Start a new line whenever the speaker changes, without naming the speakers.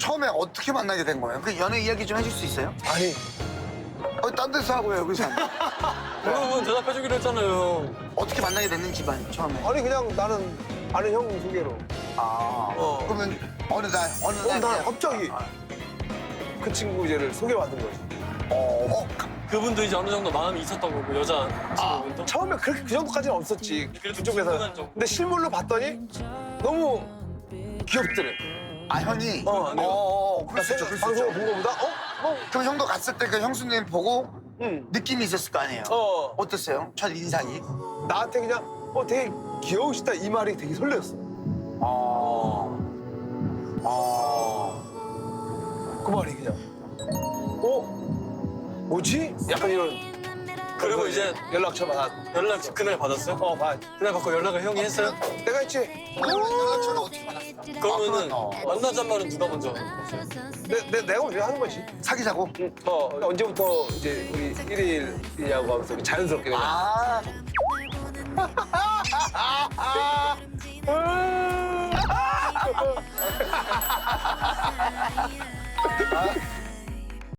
처음에 어떻게 만나게 된 거예요? 그 연애 이야기 좀 해줄 수 있어요?
아니,
딴 데서 하고요, 여기서.
여러분 대답해주기로 했잖아요.
어떻게 만나게 됐는지 처음에.
아니 그냥 나는 아는 형 소개로.
그러면 어느 날
난
그냥-
갑자기 그 친구 이제를 소개받은 거지.
그분도 이제 어느 정도 마음이 있었던 거고 여자 친구분도.
처음에 그 정도까지는 없었지.
그래도
그쪽에서.
중간한 정도.
근데 실물로 봤더니 너무 귀엽더래.
아, 형이?
내가
그럴 수 있죠, 그럴 수
방송을
있죠.
본 거보다
그럼 형도 갔을 때 그 형수님 보고
응.
느낌이 있었을 거 아니에요? 어땠어요? 첫 인상이?
나한테 그냥 되게 귀여우시다 이 말이 되게 설레었어. 그 말이 그냥 뭐지? 약간 이런.
그리고 이제
연락처 받아.
연락 그날 받았어요?
받.
그날 받고 연락을 형이 했어요?
내가 했지.
연락처를 어떻게 받았어?
그러면은
그렇구나.
만나자는 말은 누가 먼저 했어요?
내가 먼저 하는 거지.
사귀자고?
언제부터 이제 우리 1일이냐고 하면서 우리 자연스럽게 그냥.
아.